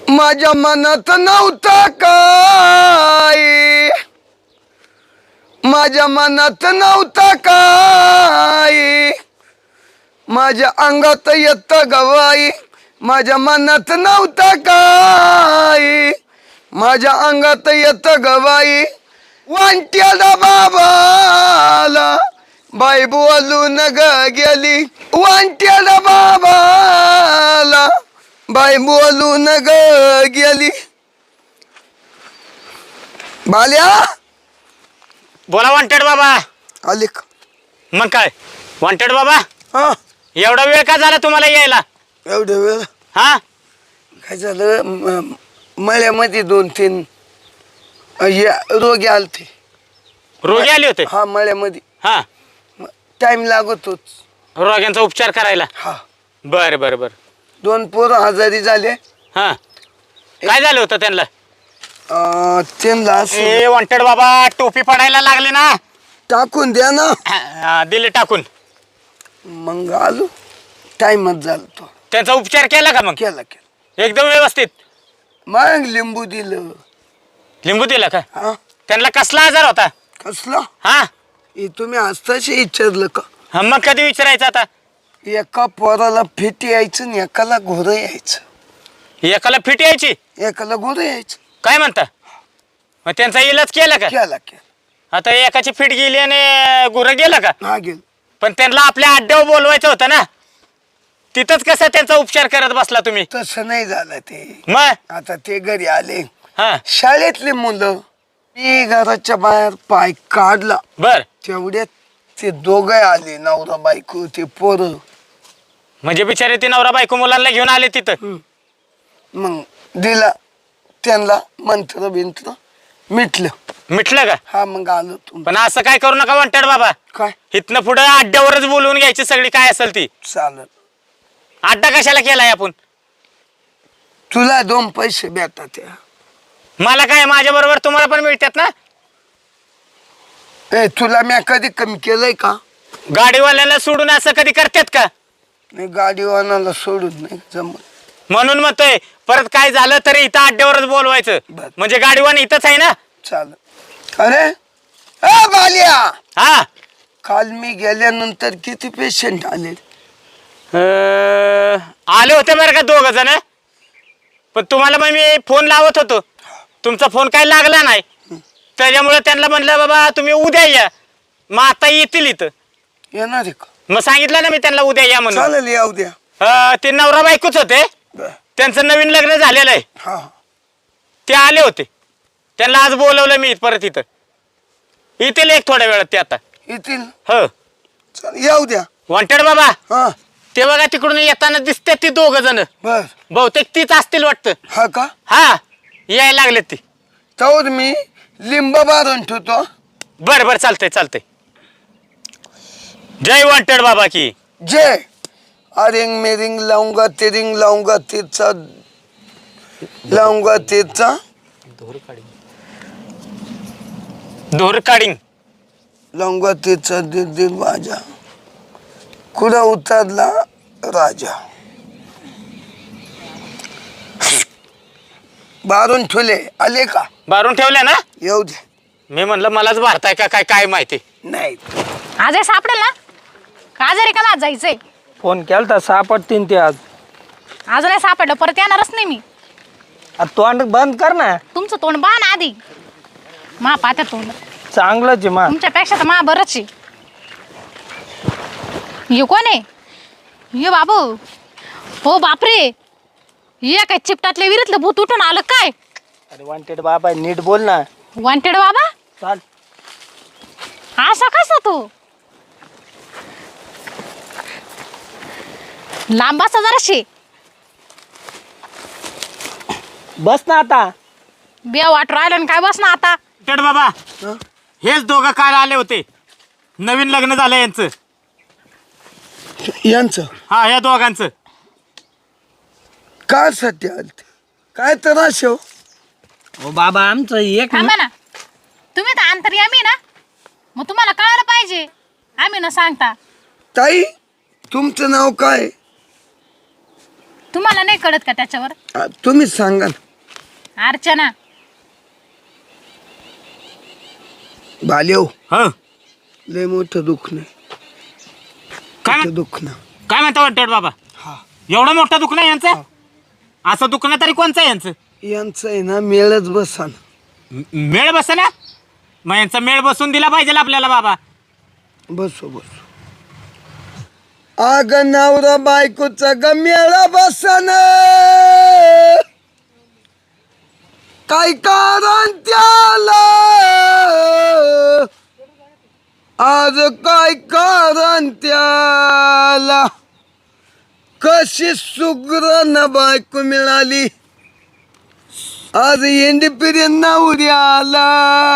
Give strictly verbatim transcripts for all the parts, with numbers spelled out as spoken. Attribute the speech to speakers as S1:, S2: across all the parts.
S1: माझ्या मनात नव्हता काय, माझ्या मनात नव्हता काय, माझ्या अंगात येत गवाई, माझ्या मनात नव्हता काय, माझ्या अंगात येत गवाई. वांट्याला बाबाला बाई बोलून ग गेली, वांट्याला बाबाला बाई बोलून ग गेली. बाल्या
S2: बोला वॉन्टेड बाबा.
S1: आले का?
S2: मग काय वॉन्टेड बाबा,
S1: हा
S2: एवढा वेळ का झाला तुम्हाला यायला?
S1: एवढं वेळ
S2: हा
S1: काय झालं, म- मळ्यामध्ये दोन तीन अ, या रोगी आलते.
S2: रोगी आले होते?
S1: हा मळ्यामध्ये
S2: हा
S1: टाइम लागतोच.
S2: रोग्यांचा उपचार करायला?
S1: हा
S2: बर बर बर.
S1: दोन पोरं आजारी झाले.
S2: हा काय झालं होतं त्यांना?
S1: अ, त्यांना असं
S2: ए वॉन्टेड बाबा, टोपी पडायला लागली ना.
S1: टाकून द्या ना.
S2: हा, दिले टाकून.
S1: मग आलो, टाइमच झाला तो.
S2: त्यांचा उपचार केला का? मग
S1: केला केला.
S2: एकदम व्यवस्थित?
S1: मग लिंबू दिलं.
S2: लिंबू दिला का?
S1: हा
S2: त्यांना कसला आजार होता?
S1: कसला?
S2: हा
S1: हे तुम्ही आस्ताशी विचारलं का?
S2: हा, मग कधी विचारायचं आता?
S1: एका पोराला फिट यायचं आणि एकाला घोरं यायचं.
S2: एकाला फिट यायची,
S1: एकाला घोरं यायचं.
S2: काय म्हणता? मग त्यांचा इलाज केला का?
S1: केला केला.
S2: आता एकाची फिट गेली आणि गुरं गेला का?
S1: हा गेल.
S2: पण त्यांना आपल्या अड्ड्यावर बोलवायचं होतं ना. तिथंच कसं त्यांचा उपचार करत बसला तुम्ही?
S1: तसं नाही झालं ते.
S2: मग
S1: आता ते घरी आले,
S2: हा
S1: शाळेतले मुलं. मी घराच्या बाहेर पाय काढला,
S2: बर.
S1: तेवढ्यात ते दोघे आले, नवरा बायको ते पोरं.
S2: म्हणजे बिचारे ती नवरा बायको मुलांना घेऊन आले तिथं?
S1: मग दिला त्यांना मंत्र बिंत्र, मिटलं.
S2: मिटलं का?
S1: हा मग आलो तुम.
S2: पण असं काय करू नका वॉन्टेड बाबा.
S1: काय
S2: इथनं पुढे अड्ड्यावरच बोलवून घ्यायची सगळी काय असेल ती.
S1: चालत.
S2: अड्डा कशाला केलाय आपण?
S1: तुला दोन पैसे भेटतात त्या.
S2: मला काय, माझ्या बरोबर तुम्हाला पण मिळतात ना.
S1: ए तुला मी कधी कमी केलंय का?
S2: गाडीवाल्याला सोडून असं कधी करतात का?
S1: नाही, गाडीवानाला सोडून नाही जमत.
S2: म्हणून म्हणतोय, परत काय झालं तरी इथं अड्ड्यावरच बोलवायचं.
S1: बर.
S2: म्हणजे गाडीवान इथंच आहे ना.
S1: चालत. अरे ए बालिया,
S2: हा
S1: काल मी गेल्यानंतर किती पेशंट आले?
S2: अं, आले होते बरं का दोघ जण. पण तुम्हाला मग मी फोन लावत होतो, तुमचा फोन काय लागला नाही. त्याच्यामुळे त्यांना म्हणलं बाबा तुम्ही उद्या या. मग आता येतील इथं.
S1: येणार आहे का?
S2: मग सांगितलं ना मी त्यांना उद्या या म्हणून.
S1: चालेल, या उद्या.
S2: अं, ते नवरा बायकोच होते.
S1: बर.
S2: त्यांचं नवीन लग्न झालेलं आहे.
S1: हा
S2: ते आले होते. त्यांना आज बोलवलं मी परत इथं. येतील एक थोड्या वेळात ते आता.
S1: येतील.
S2: हो
S1: चालेल, या उद्या.
S2: वॉन्टेड बाबा,
S1: हा
S2: ते बघा तिकडून येताना दिसते ती दोघ जण.
S1: बर.
S2: बहुतेक तीच असतील वाटतं.
S1: हा का?
S2: हा यायला लागले ती.
S1: तर मी लिंब बारून ठेवतो.
S2: बर बर चालतंय चालतंय. जय वॉन्टेड बाबा की
S1: जय. अरिंग मेरिंग लावूंगा तेरिंग लावूंगा तेचा लावूंगा तेचा
S2: धोर काढीन.
S1: लावूंगा तेचा दिल दिल माझा, कुठं उतरला राजा. बारून ठेवले. आले का?
S2: बारून ठेवल्या ना.
S1: येऊ दे.
S2: मी म्हणलं मलाच भारताय का काय काय माहिती.
S1: नाही
S3: आज सापडेल ना का? आजारी का आज जायचंय?
S4: फोन केलता सापडतीन ते आज.
S3: आज नाही सापडलं, परत येणारच नाही मी.
S4: आ, तोंड बंद कर ना.
S3: तुमचं तोंड बा ना आधी. मा पाहत्या तोंड
S4: चांगलंच आहे मा.
S3: तुमच्यापेक्षा तर मा बरंच आहे. ये कोण आहे? ये बाबू. हो बापरे, ये काय चिपटातल्या विहिरीतलं भूत उठून आलं काय?
S4: अरे वॉन्टेड बाबा नीट बोल ना.
S3: वॉन्टेड बाबा
S4: चाल.
S3: असा कसा तू? लांब बसा जराशी.
S4: बस ना आता.
S3: बिया वाट राहिलं आणि काय बस ना आता.
S2: वॉन्टेड बाबा, हेच दोघं काल आले होते. नवीन लग्न झालं यांचं.
S1: यांचं
S2: हा या दोघांचं.
S1: काय सध्या आलते? काय त्रास हो?
S4: ओ बाबा आमचं एक
S3: थांबा ना, तुम्ही तर अंतर्यामी ना, मग तुम्हाला कळायला पाहिजे. आम्ही न सांगता.
S1: ताई, तुमचं नाव काय?
S3: तुम्हाला नाही कळत का त्याच्यावर?
S1: आ, तुम्हीच सांगा ना.
S3: अर्चना.
S1: बाल्यो
S2: हो
S1: लय मोठं दुःख नाही.
S2: काय
S1: मोठं
S2: म्हण-
S1: दुःख ना.
S2: काय म्हणता वाटतं बाबा?
S1: हा
S2: एवढं मोठं दुखणं आहे यांचं? असं दुखणं तरी कोणचं आहे यांचं?
S1: यांचं आहे ना मेळच बसा ना.
S2: म- मेळ बस ना. मग यांचा मेळ बसून दिला पाहिजे आपल्याला बाबा.
S1: बसो बसो. आग नवरा बायकोचा ग मेळा बसन काय कारण त्याला आज काय कारण त्याला कशी सुग्रण बायको मिळाली आज एंडी पिरी नवऱ्याला.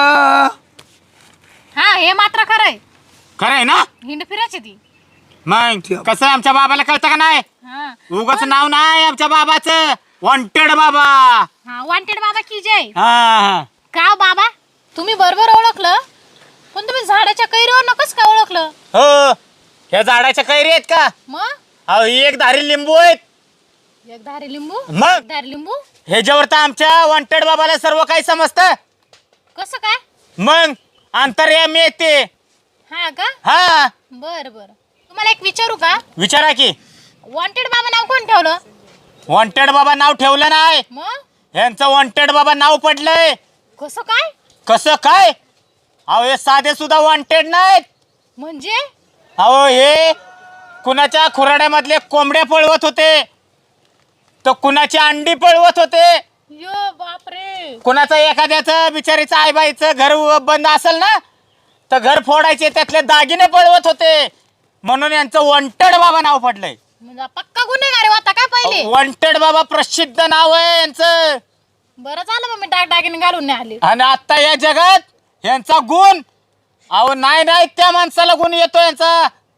S3: हा हे मात्र खरंय.
S2: खरं आहे ना?
S3: हिंड फिरायची ती.
S2: मग कसं आमच्या बाबाला कळतं का नाही?
S3: हा
S2: उगाच नाव नाही आमच्या बाबाचं, वॉन्टेड बाबा.
S3: हा वॉन्टेड बाबा की जय.
S2: हा हा.
S3: का हो बाबा तुम्ही बरोबर ओळखलं, पण तुम्ही झाडाच्या कैरीवर नकोच का ओळखलं?
S2: हो ह्या झाडाच्या कैरी आहेत का?
S3: मग
S2: अहो ही एक धारी लिंबू आहेत.
S3: एक धारी लिंबू.
S2: मग?
S3: एक धारी लिंबू
S2: ह्याच्यावर तर आमच्या वॉन्टेड बाबाला सर्व काही समजतं.
S3: कसं काय?
S2: मग अंतर्यामी आहेत ते.
S3: हा का?
S2: हा
S3: बर बर. तुम्हाला एक विचारू का?
S2: विचारा की.
S3: वॉन्टेड बाबा नाव कोण ठेवलं?
S2: वॉन्टेड बाबा नाव ठेवलं नाही,
S3: मग
S2: यांचं वॉन्टेड बाबा नाव पडलंय.
S3: कसं काय?
S2: कसं काय? अहो हे साधे सुद्धा वॉन्टेड नाहीत.
S3: म्हणजे
S2: अहो हे कुणाच्या खुराड्यामधले कोंबड्या पळवत होते, तर कुणाची अंडी पळवत होते,
S3: यो बापरे.
S2: कुणाचं एखाद्याचं बिचारीचं आईबाईचं घर बंद असेल ना तर घर फोडायचे, त्यातले दागिने पळवत होते, म्हणून यांचं वॉन्टेड बाबा नाव पडलंय.
S3: म्हणजे पक्का गुन्हेगार आहे होता काय पहिले?
S2: वॉन्टेड बाबा प्रसिद्ध नाव आहे यांचं.
S3: बरं झालं मग मी डाग डागिने घालून नाही आले.
S2: आणि आता या जगात यांचा गुण, अहो नाही नाही त्या माणसाला गुण येतो यांचा.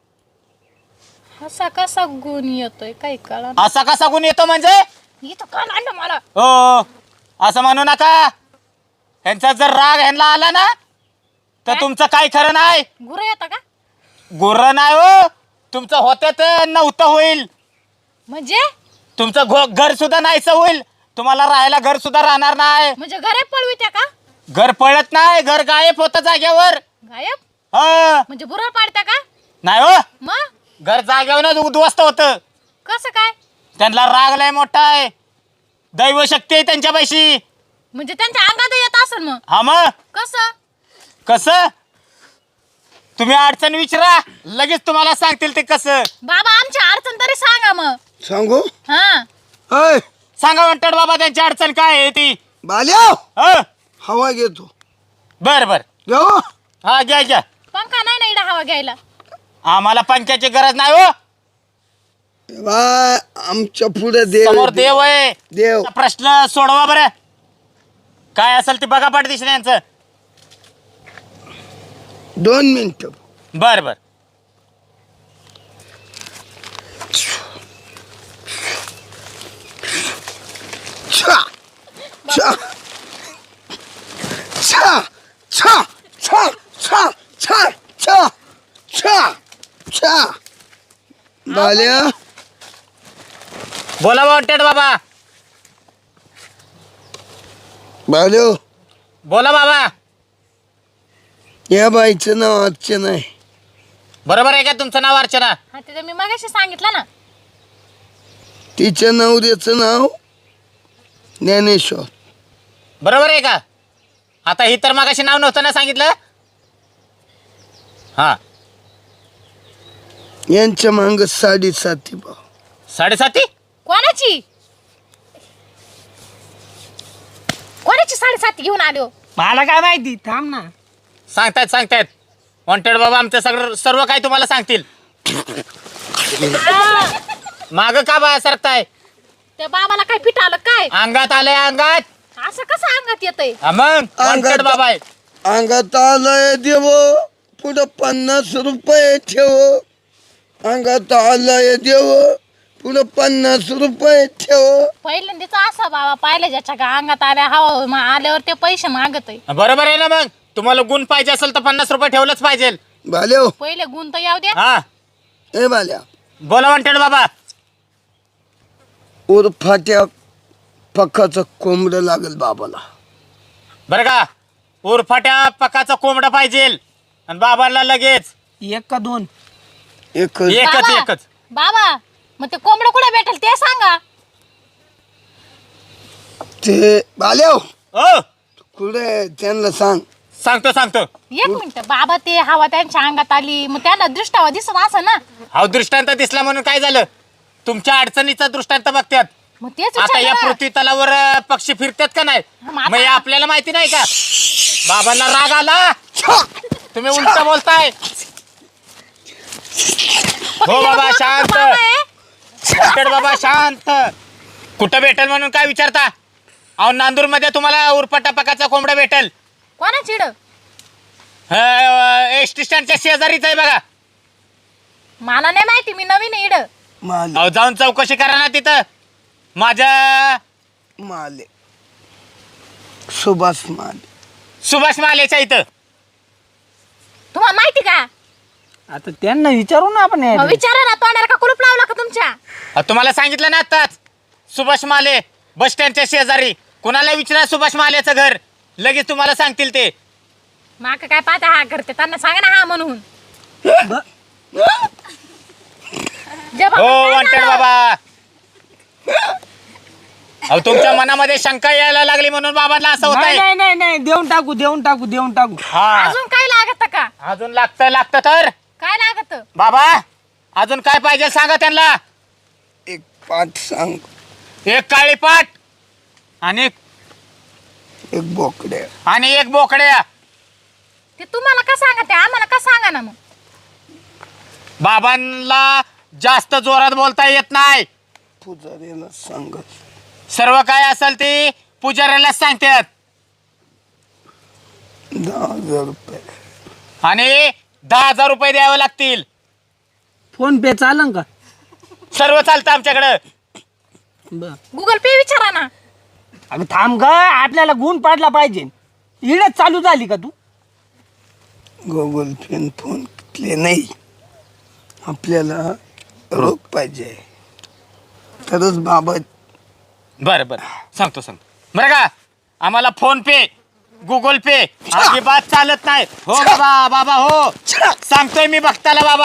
S3: असा कसा गुण येतोय काही कळा.
S2: असा कसा गुण येतो म्हणजे?
S3: इथं का आणलं मला?
S2: हो असं म्हणू नका. यांचा जर राग ह्यांना आला ना तर
S3: काय?
S2: तुमचं काही खरं नाही.
S3: गुरं येतं का?
S2: गुर्र नाही हो, तुमचं होते तर नव्हतं होईल.
S3: म्हणजे
S2: तुमचं घो- घर सुद्धा नाहीसं होईल. तुम्हाला राहायला घर सुद्धा राहणार नाही.
S3: म्हणजे घरे पळवित्या का?
S2: घर पळत नाही, घर गायब होतं जाग्यावर.
S3: गायब
S2: हो
S3: म्हणजे बुरळ पाडत्या का?
S2: नाही हो,
S3: मग
S2: घर जाग्यावरच उद्ध्वस्त होतं.
S3: कसं काय?
S2: त्यांना राग लय मोठा आहे, दैवशक्ती आहे त्यांच्यापाशी.
S3: म्हणजे त्यांच्या अंगात येत असेल मग.
S2: हा मग
S3: कसं?
S2: कसं? तुम्ही अडचण विचारा, लगेच तुम्हाला सांगतील ते कसं.
S3: बाबा आमची अडचण तरी सांगा मग.
S1: सांगू
S3: हा
S1: अय
S2: सांगा म्हणतात बाबा त्यांची अडचण काय आहे ती.
S1: बाल्या
S2: ह
S1: हवा घेतो
S2: बर बर.
S1: जाऊ.
S2: हा घ्या घ्या.
S3: पंखा नाही ना इडा हवा घ्यायला.
S2: आम्हाला पंख्याची गरज नाही हो,
S1: बा आमच्या पुढे देव
S2: समोर
S1: आहे,
S2: देव आहे.
S1: देव.
S2: प्रश्न सोडवा बरं, काय असेल ते बघा पाठदिशी यांचं.
S1: दोन मिनिट.
S2: बर बर.
S1: छा छा छा छा छा छा छा छा छा छा. बाल्या
S2: बोला वॉन्टेड बाबा.
S1: बाल्यो
S2: बोला बाबा.
S1: या बाईचं नाव अर्चना आहे.
S2: बरोबर आहे का तुमचं नाव अर्चना?
S3: हा ते मी मागाशी सांगितलं ना.
S1: तिच्या नवऱ्याचं नाव ज्ञानेश्वर.
S2: बरोबर आहे का? आता ही तर मागाशी नाव नव्हतं ना सांगितलं. हा
S1: यांच्या मांग साडेसाती भाव.
S2: साडेसाती.
S3: कोणाची कोणाची साडेसाती घेऊन आलो?
S4: मला काय माहिती, थांब ना.
S2: सांगतायत सांगतायत वॉन्टेड बाबा आमचं सगळं सर्व काही तुम्हाला सांगतील. माग का बा सरकताय?
S3: त्या बाबाला काय फिट आलं काय?
S2: अंगात आलंय अंगात.
S3: असं कसं अंगात येतंय?
S2: हा मग वॉन्टेड बाबा आहे.
S1: अंगात आलंय देव पुढं पन्नास रुपये ठेव. अंगात आलंय देव पुढं पन्नास रुपये ठेव.
S3: पहिल्यांदाच असा बाबा पाहिलं ज्याच्या का अंगात आल्या हवा मा- आल्यावर ते पैसे मागत आहे.
S2: बरोबर आहे ना? मग तुम्हाला गुण पाहिजे असेल तर पन्नास रुपये ठेवलंच पाहिजे.
S1: बाल्यो
S3: पहिले गुण तर येऊ द्या.
S2: हा
S1: ए बाल्या
S2: बोला वॉन्टेड बाबा.
S1: उरफाट्या पक्काचं कोंबडं लागेल बाबाला.
S2: बरं का उरफाट्या पकाचा कोंबडा पाहिजे आणि बाबाला लगेच
S4: एक का दोन?
S1: एक
S2: एकच
S3: बाबा,
S2: एकच.
S3: बाबा मग ते कोंबडं कुठे भेटेल ते सांगा.
S1: ते बाल्याव
S2: ओ
S1: कुठे त्यांना सांग.
S2: सांगतो सांगतो.
S3: एक मिनिट बाबा ते हवा त्यांच्या अंगात आली मग त्यांना दृष्टावा दिसत असं ना.
S2: हा दृष्टांत दिसला म्हणून काय झालं तुमच्या अडचणीचा दृष्टांत बघतात.
S3: मग तेच
S2: आता या
S3: विचारलं ना.
S2: पृथ्वी तलावर अं, पक्षी फिरतात का नाही
S3: मग आता-
S2: मग हे आपल्याला माहिती नाही का. बाबांना राग आला तुम्ही उलट बोलताय. हो बाबा शांत.
S3: बाबा आहे.
S2: डॉक्टर बाबा शांत. कुठं भेटेल म्हणून काय विचारता. अहो नांदूर मध्ये तुम्हाला उरफाटा पकाचा कोंबडा भेटेल.
S3: कोणा चिड
S2: एस टी स्टँडच्या शेजारीच आहे बघा.
S3: मला नाही माहिती मी नवीन आहे इड.
S1: माले
S2: अहो जाऊन चौकशी करा ना तिथं. माझ्या
S1: माले सुभाष माले.
S2: सुभाष मालेच्या इथं.
S3: तुम्हाला माहिती का?
S4: आता त्यांना विचारू ना आपण
S3: मग
S4: यायला.
S3: विचारा ना तोंडाला का कुलूप लावला का तुमच्या?
S2: अहो, तुम्हाला सांगितलं ना आताच सुभाष माले बस स्टँडच्या शेजारी. कुणाला विचारा सुभाष मालेचं घर लगेच तुम्हाला सांगतील ते.
S3: माका काय पाहता हा करते त्यांना सांगा ना हा म्हणून.
S4: ब-
S3: जे बाबा
S2: हो
S3: काय
S2: वॉन्टेड
S3: झालं?
S2: बाबा. अहो तुमच्या मनामध्ये शंका यायला लागली म्हणून बाबांना असं होत
S4: नाही
S2: आहे.
S4: नाही नाही नाही देऊन टाकू देऊन टाकू देऊन टाकू.
S2: हा
S3: अजून काय लागत का?
S2: अजून लागतं लागतं तर
S3: काय लागत?
S2: बाबा अजून काय पाहिजे सांगा त्यांना.
S1: एक पाठ सांग.
S2: एक काळी पाट आणि
S1: एक बोकड्या.
S2: आणि एक बोकड्या.
S3: ते तुम्हाला का सांगा ते आम्हाला का सांगा ना मग.
S2: बाबांना जास्त जोरात बोलता येत नाही.
S1: पुजारीला सांग.
S2: सर्व काय असेल ते पुजाऱ्यालाच सांगतात.
S1: दहा हजार रुपये.
S2: आणि दहा हजार रुपये द्यावे लागतील.
S4: फोन पे चालन का?
S2: सर्व चालतं आमच्याकडं.
S4: बर
S3: गुगल पे विचारा ना.
S4: अगं थांब ग आपल्याला गुण पाडला पाहिजे. इडच चालू झाली का तू?
S1: गुगल पे फोन घेतले नाही. आपल्याला रोख पाहिजे तरच बाबा.
S2: बरं बरं सांगतो सांगतो. बरं का आम्हाला फोन पे गुगल पे अजिबात चालत नाही. हो बाबा बाबा हो सांगतोय मी बघताला बाबा.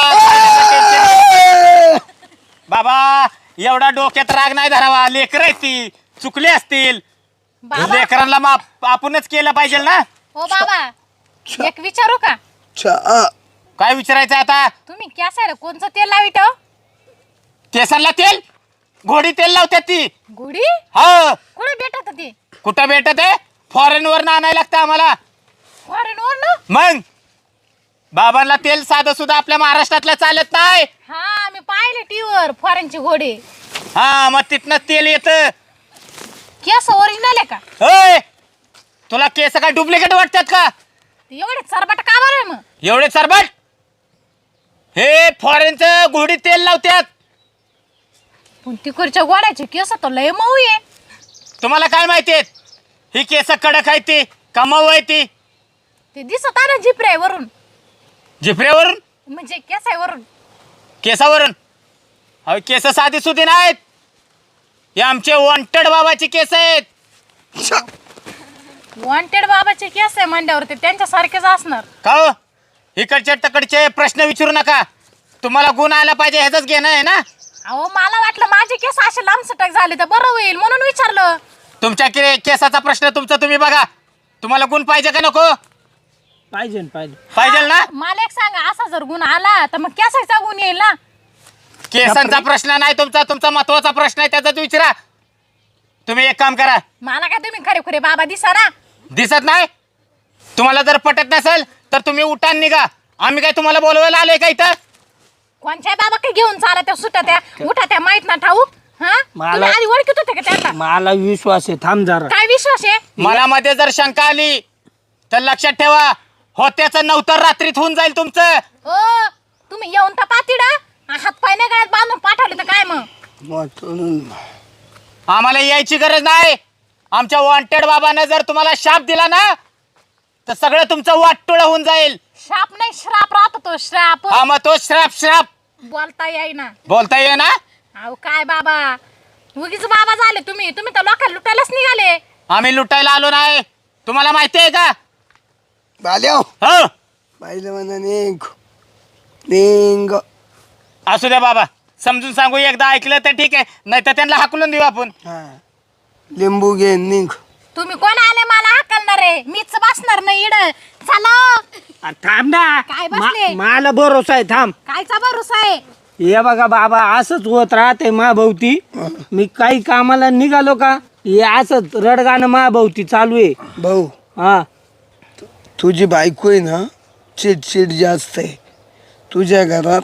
S2: बाबा एवढा डोक्यात राग नाही धरावा. लेकर आहेत ती चुकले असतील.
S3: बाबा
S2: लेकरांना माफ आपणच केलं पाहिजे ना.
S3: हो बाबा एक विचारू का?
S1: चहा
S2: काय विचारायचं आता.
S3: तुम्ही कॅसायला कोणचं तेल लावित हो?
S2: केसांना तेल घोडी तेल लावतात ती.
S3: गुढी
S2: हो
S3: कुठे भेटत ते?
S2: कुठं भेटत आहे फॉरेन वर आणायला लागतं आम्हाला.
S3: फॉरेन वर ना?
S2: मग बाबांना तेल साधं सुद्धा आपल्या महाराष्ट्रातलं चालत नाही.
S3: हा मी पाहिले टीव्हीवर फॉरेनची घोडे.
S2: हा मग तिथनं तेल येतं.
S3: केस ओरिजिनल आहे का?
S2: होय तुला केस काय डुप्लिकेट वाटतात का?
S3: ते एवढे चरबट का बरं आहे मग?
S2: एवढे सरबट हे फॉरेनचं घोडी तेल लावतात.
S3: पण तिकडच्या गोड्याचे केस तर लय मऊ आहे.
S2: तुम्हाला काय माहितीये ही केस कडक आहे ती का मऊ आहे ती.
S3: ते दिसत आहे ना जिपऱ्यावरून
S2: जिफऱ्यावरून
S3: म्हणजे केसावरून.
S2: केसावरून. अहो केस साधी सुधी नाहीत. हे आमचे वॉन्टेड बाबाची केस आहेत.
S3: वॉन्टेड बाबाचे केस आहे म्हणल्यावर ते त्यांच्यासारखेच असणार.
S2: का हो इकडचे तकडचे प्रश्न विचारू नका. तुम्हाला गुण आला पाहिजे ह्याच घेणं आहे ना.
S3: अहो मला वाटलं माझे केस असे लांबसटक झाले तर बरं होईल म्हणून विचारलं.
S2: तुमच्या के केसाचा प्रश्न तुमचा तुम्ही बघा. तुम्हाला गुण पाहिजे का नको.
S4: पाहिजे ना, पाहिजे.
S2: पाहिजे ना.
S3: मला एक सांगा असा जर गुण आला तर मग केसाचा गुण येईल ना.
S2: केसांचा प्रश्न नाही तुमचा तुमचा महत्वाचा प्रश्न आहे त्याचाच विचारा. तुम्ही एक काम करा.
S3: मला काय तुम्ही खरे खरे बाबा दिसा ना.
S2: दिसत नाही. तुम्हाला जर पटत नसेल तर तुम्ही उठान निघा. आम्ही काय तुम्हाला बोलवायला आलोय का इथं.
S3: कोणच्या बाबा काय घेऊन चाला त्या सुट्या त्या उठा त्या माहित ना ठाऊक. हा
S4: मला-
S3: तुम्ही आधी ओळखत होते का त्यांना?
S4: मला विश्वास आहे. थांब जरा.
S3: काय विश्वास आहे?
S2: मनामध्ये जर शंका आली तर लक्षात ठेवा होत्याचं नवतर रात्रीत होऊन जाईल तुमचं.
S3: हो तुम्ही येऊन तर पातीड हात पाय नाही गळ्यात बांधून पाठवले तर काय मग?
S1: वाटून
S2: आम्हाला यायची गरज नाही. आमच्या वॉन्टेड बाबानं जर तुम्हाला शाप दिला ना तर सगळं तुमचं वाटोळं होऊन जाईल.
S3: श्राप नाही श्राप राहतो तो श्राप.
S2: हा मग तो श्राप श्राप
S3: बोलता येईना.
S2: बोलता ये ना.
S3: अहो काय बाबा उगीच बाबा झाले तुम्ही तुम्ही तर लोकांना लुटायलाच निघाले.
S2: आम्ही लुटायला आलो नाही, तुम्हाला माहिती आहे का?
S1: बाल्या
S2: हो
S1: बाईला म्हणा निघ निघ.
S2: असू द्या बाबा, समजून सांगू, एकदा ऐकलं तर ठीक आहे, नाही तर त्यांना हाकलून देऊ आपण.
S1: हा लिंबू घे निघ.
S3: तुम्ही कोण आले मला हाकलणार आहे? मीच बसणार नाही इड. चला
S4: आ, थांब ना.
S3: काय बसले?
S4: मा- मला भरोसा आहे, थांब.
S3: कायचा भरोसा आहे?
S4: हे बघा बाबा, असंच होत राहते महाभोवती. मी काही कामाला निघालो का हे असंच रडगाणं महाभोवती चालू आहे.
S1: भाऊ
S4: हा
S1: तुझी बायको आहे ना चिडचिड जास्त आहे. तुझ्या घरात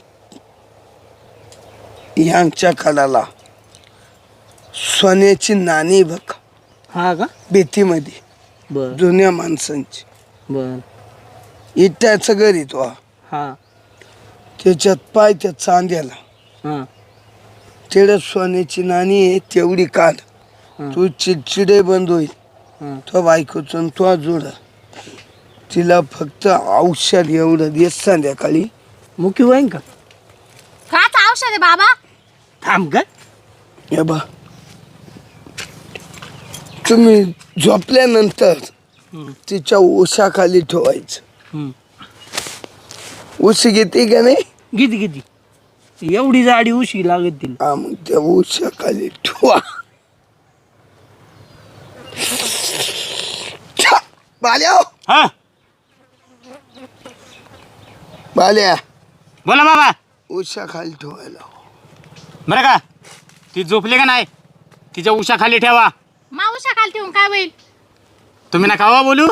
S1: यांच्या कडाला सोन्याची नाणी बघ
S4: हा का?
S1: भीतीमध्ये
S4: बर
S1: जुन्या माणसांची.
S4: बर
S1: इट्याचं घर आहे तो.
S4: हा
S1: त्याच्यात पाय त्या चांद्याला
S4: हा
S1: तेवढ्या सोन्याची नाणी आहे तेवढी काढ.
S4: हा.
S1: तू चिडचिडे बंद होईल.
S4: हा.
S1: तो बायकोचं तो जोड. तिला फक्त औषध एवढं दे संध्याकाळी.
S4: मुकी होईन का?
S3: काच औषध आहे बाबा?
S4: थांब का?
S1: हे बा तुम्ही झोपल्यानंतर
S4: हम्म.
S1: तिच्या उशाखाली ठेवायचं.
S4: हम्म.
S1: उशी घेते का नाही?
S4: किती किती एवढी जाडी उशी लागत तिला.
S1: हा मग त्या उशाखाली ठेवा. छा! बाल्या
S2: हा
S1: बाल्या
S2: बोला बाबा.
S1: उशाखाली ठेवायला.
S2: बरं का, ती झोपली का नाही, तिच्या उशाखाली ठेवा.
S3: मावशा खाली ठेवून काय होईल?
S2: तुम्ही ना खावा बोलू,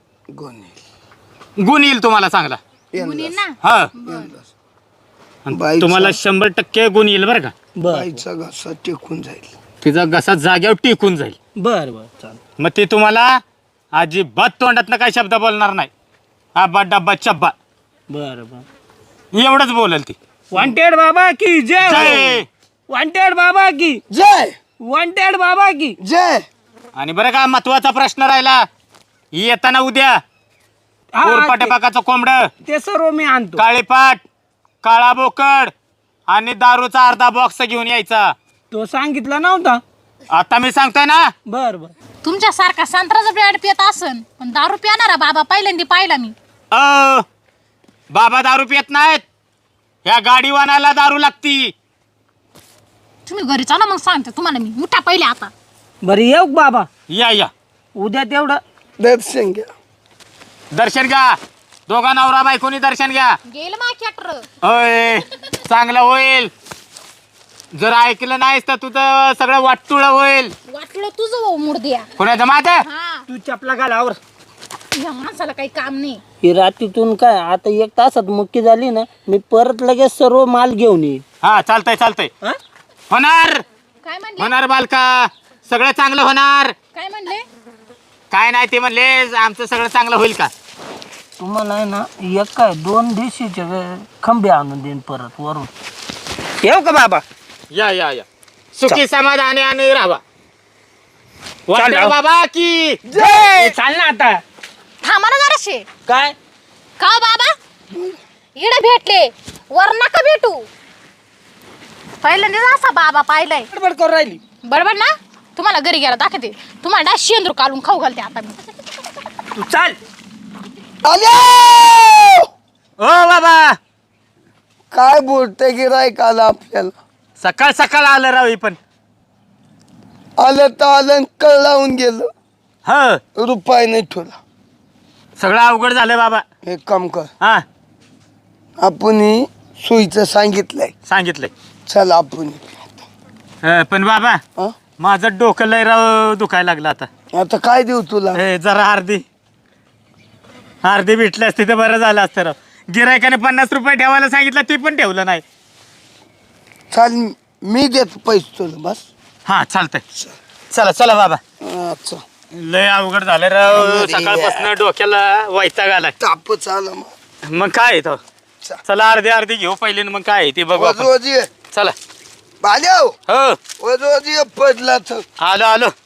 S1: गोणी
S2: गुण येईल तुम्हाला चांगला.
S3: गुन्हे ना.
S2: हा
S1: यंदाच.
S2: आणि
S1: बाईचा-
S2: तुम्हाला शंभर टक्के गुण येईल बरं का.
S4: बर
S1: बाईचा घसा टेकून जाईल.
S2: तिचा घसा जाग्यावर टिकून जाईल.
S4: बर बर चाल.
S2: मग ती तुम्हाला अजिबात तोंडातनं काही शब्द बोलणार नाही. आबा डब्बा चब्बा
S4: बर बर
S2: एवढंच बोलेल ती.
S4: वॉन्टेड बाबा की जय.
S2: जय.
S4: वॉन्टेड बाबा की
S1: जय
S4: वॉन्टेड बाबा की
S1: जय.
S2: आणि बरं का, महत्वाचा प्रश्न राहिला, येताना उद्या
S4: हा,
S2: कोरपाटे
S4: ते-
S2: पाकाचं कोंबड,
S4: ते सर्व मी आणतो.
S2: काळीपाट, काळा बोकड आणि दारूचा अर्धा बॉक्स घेऊन यायचा.
S4: तो सांगितला नव्हता.
S2: आता मी सांगतोय ना.
S4: बर बर
S3: तुमच्यासारखा संत्र्याचा ब्रँड पित असन पण दारू पिणारा बाबा पहिल्यांदा पाहिला मी.
S2: अ बाबा दारू पित नाहीत, ह्या गाडीवानाला दारू लागती.
S3: तुम्ही घरी चला मग सांगते तुम्हाला मी. उठा पहिले आता.
S4: बर येऊ का बाबा?
S2: या या
S4: उद्या तेवढं
S1: दर्शन घ्या.
S2: दर्शन घ्या, दोघा नवरा बायकोनी दर्शन घ्या.
S3: गेल मा कॅटर.
S2: होय चांगलं होईल. जर ऐकलं नाहीस तर तुझं सगळं वाटतुळ होईल.
S3: वाटलं तुझं हो मुर्द्या.
S2: कोणाचं माझं?
S3: हा
S4: तू चपला घालावर.
S3: या माणसाला काही काम नाही.
S4: ही रात्रीतून काय आता एक तासात मुक्की झाली ना, मी परत लगेच सर्व माल घेऊन येईल.
S2: हा चालतंय चालतंय.
S4: हा?
S2: होणार
S3: काय म्हणले?
S2: होणार बालका, सगळं चांगलं होणार.
S3: काय म्हणले?
S2: काय नाही ते म्हणले आमचं सगळं चांगलं होईल का.
S4: तुम्हाला आहे ना एक काय दोन देशीचे खंबे आणून देईन परत वरून. येऊ का बाबा?
S2: या या या सुखी समाधानी आणि राहा.
S4: चाल
S2: वाटेल
S4: राव.
S2: बाबा की
S4: जय. चाल ना आता.
S3: थांबा ना जराशे.
S4: काय
S3: का हो बाबा इकडे भेटले, वर नका भेटू. पहिल्यांदाच असा बाबा पाहिलाय.
S4: गडबड करून राहिली.
S3: बरोबर ना. तुम्हाला घरी गेला दाखवते. तुम्हाला डास शेंदूर काढून खाऊ घालते आता मी.
S4: तू चाल.
S1: आल्या
S2: ओ बाबा,
S1: काय बोलते गिरायक आलं आपल्याला.
S2: सकाळ सकाळ आलं राव ही पण.
S1: आलं तर आलं कळ लावून गेलं.
S2: ह
S1: रुपये नाही ठेवला.
S2: सगळं अवघड झालं बाबा.
S1: एक काम कर,
S2: हा
S1: आपण ही सोयीचं सांगितलंय.
S2: सांगितलंय.
S1: चल आपण
S2: अ, पण बाबा
S1: हं?
S2: माझं डोकं लय राव दुखायला लागलं आता.
S1: आता काय देऊ तुला?
S2: ए, जरा अर्धी अर्धी भेटली असती तर बरं झालं असतं राव. गिरायकाने पन्नास रुपये ठेवायला सांगितलं, ते पण ठेवलं नाही.
S1: चाल मी देतो पैसे तुला बस.
S2: हा चालतंय. चला चला बाबा.
S1: अच्छा
S2: लय अवघड झालं राव. सकाळपासून डोक्याला वैताग आलाय.
S1: तापच आला मग.
S2: मग काय आहे तो. चला अर्धी अर्धी घेऊ पहिले न मग काय आहे ते बघू आपण.
S1: वजवजी
S2: चला.
S1: बाल्या
S2: हो
S1: वजवजी पडला तर
S2: आलो आलो.